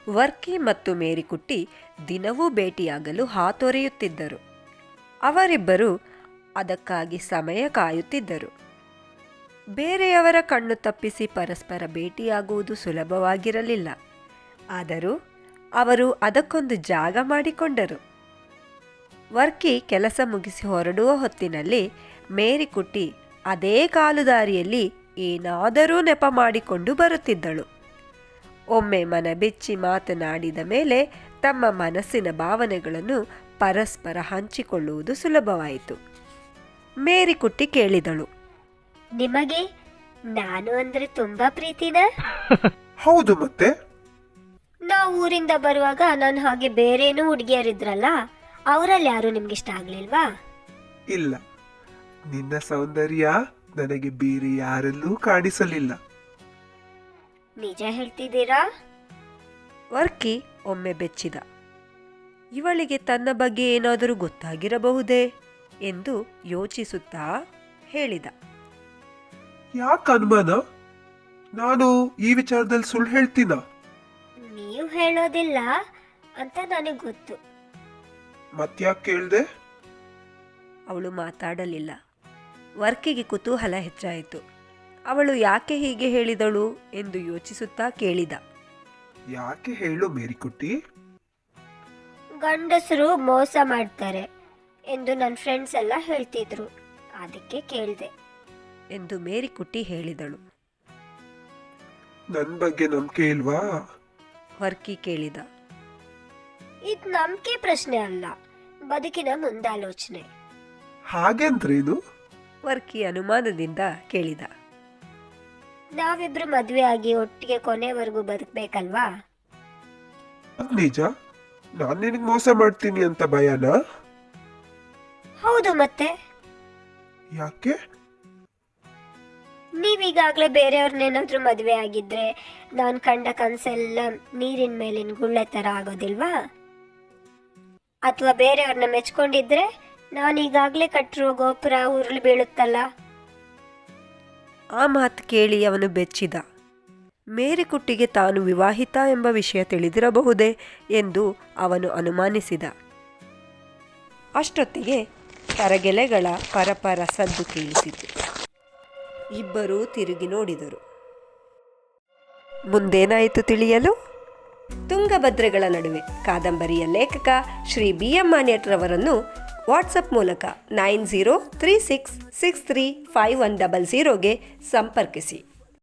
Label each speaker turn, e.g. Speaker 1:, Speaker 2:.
Speaker 1: ವರ್ಕಿ ಮತ್ತು ಮೇರಿಕುಟ್ಟಿ ದಿನವೂ ಭೇಟಿಯಾಗಲು ಹಾತೊರೆಯುತ್ತಿದ್ದರು. ಅವರಿಬ್ಬರು ಅದಕ್ಕಾಗಿ ಸಮಯ ಕಾಯುತ್ತಿದ್ದರು. ಬೇರೆಯವರ ಕಣ್ಣು ತಪ್ಪಿಸಿ ಪರಸ್ಪರ ಭೇಟಿಯಾಗುವುದು ಸುಲಭವಾಗಿರಲಿಲ್ಲ. ಆದರೂ ಅವರು ಅದಕ್ಕೊಂದು ಜಾಗ ಮಾಡಿಕೊಂಡರು. ವರ್ಕಿ ಕೆಲಸ ಮುಗಿಸಿ ಹೊರಡುವ ಹೊತ್ತಿನಲ್ಲಿ ಮೇರಿಕುಟ್ಟಿ ಅದೇ ಕಾಲುದಾರಿಯಲ್ಲಿ ಏನಾದರೂ ನೆಪ ಮಾಡಿಕೊಂಡು ಬರುತ್ತಿದ್ದಳು. ಒಮ್ಮೆ ಮನಬಿಚ್ಚಿ ಮಾತನಾಡಿದ ಮೇಲೆ ತಮ್ಮ ಮನಸ್ಸಿನ ಭಾವನೆಗಳನ್ನು ಪರಸ್ಪರ ಹಂಚಿಕೊಳ್ಳುವುದು ಸುಲಭವಾಯಿತು. ಮೇರಿಕುಟ್ಟಿ ಕೇಳಿದಳು,
Speaker 2: ನಿಮಗೆ ನಾನು ಅಂದ್ರೆ ತುಂಬಾ ಪ್ರೀತಿನ?
Speaker 3: ಹೌದು, ಮತ್ತೆ
Speaker 2: ನಾವು ಊರಿಂದ ಬರುವಾಗ ನಾನು ಹಾಗೆ ಬೇರೇನೂ ಹುಡುಗಿಯರಿದ್ರಲ್ಲ, ಅವರಲ್ಲಿ ಯಾರು ನಿಮ್ಗೆ ಇಷ್ಟ ಆಗ್ಲಿಲ್ವಾ?
Speaker 3: ಇಲ್ಲ, ನಿನ್ನ ಸೌಂದರ್ಯ ನನಗೆ ಬೇರೆ ಯಾರಲ್ಲೂ ಕಾಣಿಸಲಿಲ್ಲ.
Speaker 2: ನಿಜ ಹೇಳ್ತಿದ್ದೀರಾ?
Speaker 1: ವರ್ಕಿ ಒಮ್ಮೆ ಬೆಚ್ಚಿದ. ಇವಳಿಗೆ ತನ್ನ ಬಗ್ಗೆ ಏನಾದರೂ ಗೊತ್ತಾಗಿರಬಹುದೇ ಎಂದು ಯೋಚಿಸುತ್ತಾ ಹೇಳಿದ.
Speaker 3: ಯಾಕೆ ಅನುಮಾನ? ನಾನು ಈ ವಿಚಾರದಲ್ಲಿ ಸುಳ್ಳು ಹೇಳ್ತೀನ?
Speaker 2: ನೀವು ಹೇಳೋದಿಲ್ಲ ಅಂತ ನನಗೆ ಗೊತ್ತು.
Speaker 3: ಮತ್ಯಾಕೆ ಕೇಳ್ದೆ?
Speaker 1: ಅವಳು ಮಾತಾಡಲಿಲ್ಲ. ವರ್ಕಿಗೆ ಕುತೂಹಲ ಹೆಚ್ಚಾಯಿತು. ಅವಳು ಯಾಕೆ ಹೀಗೆ ಹೇಳಿದಳು ಎಂದು ಯೋಚಿಸುತ್ತಾ ಕೇಳಿದ.
Speaker 3: ಯಾಕೆ ಹೇಳು ಮೇರಿಕುಟ್ಟಿ?
Speaker 2: ಗಂಡಸರು ಮೋಸ ಮಾಡ್ತಾರೆ ಎಂದು ನನ್ನ ಫ್ರೆಂಡ್ಸ್ ಎಲ್ಲ ಹೇಳ್ತಿದ್ರು, ಅದಕ್ಕೆ ಕೇಳಿದೆ
Speaker 1: ಎಂದು ಮೇರಿಕುಟ್ಟಿ ಹೇಳಿದಳು.
Speaker 3: ನನ್ ಬಗ್ಗೆ ನಂಬಿಕೆ ಇಲ್ವಾ?
Speaker 1: ವರ್ಕಿ ಕೇಳಿದ.
Speaker 2: ಇದು ನಂಬಿಕೆ ಪ್ರಶ್ನೆ ಅಲ್ಲ, ಬದುಕಿನ ಮುಂದಾಲೋಚನೆ.
Speaker 3: ಹಾಗೆಂದ್ರೇನು?
Speaker 1: ವರ್ಕಿ ಅನುಮಾನದಿಂದ ಕೇಳಿದ.
Speaker 2: ನಾವಿಬ್ರು ಮದುವೆ ಆಗಿ ಒಟ್ಟಿಗೆ ಕೊನೆವರೆಗೂ ಬದುಕಬೇಕಲ್ವಾ?
Speaker 3: ಅದ್ ನಿಜ? ನಾನ್ ನಿನಗೆ ಮೋಸ ಮಾಡ್ತೀನಿ ಅಂತ ಭಯನಾ?
Speaker 2: ಹೌದು, ಮತ್ತೆ
Speaker 3: ಯಾಕೆ?
Speaker 2: ನೀವೀಗಾಗಲೇ ಬೇರೆಯವ್ರನ್ನೇನಾದ್ರೂ ಮದುವೆ ಆಗಿದ್ರೆ ನಾನು ಕಂಡ ಕನಸೆಲ್ಲ ನೀರಿನ ಮೇಲಿನ ಗುಳ್ಳೆ ಥರ ಆಗೋದಿಲ್ವಾ? ಅಥವಾ ಬೇರೆಯವ್ರನ್ನ ಮೆಚ್ಕೊಂಡಿದ್ರೆ ನಾನೀಗಾಗಲೇ ಕಟ್ಟಿರೋ ಗೋಪುರ ಉರುಳಿ ಬೀಳುತ್ತಲ್ಲ?
Speaker 1: ಆ ಮಾತು ಕೇಳಿ ಅವನು ಬೆಚ್ಚಿದ. ಮೇರಿಕುಟ್ಟಿಗೆ ತಾನು ವಿವಾಹಿತ ಎಂಬ ವಿಷಯ ತಿಳಿದಿರಬಹುದೇ ಎಂದು ಅವನು ಅನುಮಾನಿಸಿದ. ಅಷ್ಟೊತ್ತಿಗೆ ತರಗೆಲೆಗಳ ಪರಪರ ಸದ್ದು ಕೇಳಿಸಿತು. ಇಬ್ಬರೂ ತಿರುಗಿ ನೋಡಿದರು. ಮುಂದೇನಾಯಿತು ತಿಳಿಯಲು ತುಂಗಭದ್ರೆಗಳ ನಡುವೆ ಕಾದಂಬರಿಯ ಲೇಖಕ ಶ್ರೀ BM ಮಾನ್ಯಟ್ರವರನ್ನು ವಾಟ್ಸಪ್ ಮೂಲಕ 9036635100ಗೆ ಸಂಪರ್ಕಿಸಿ.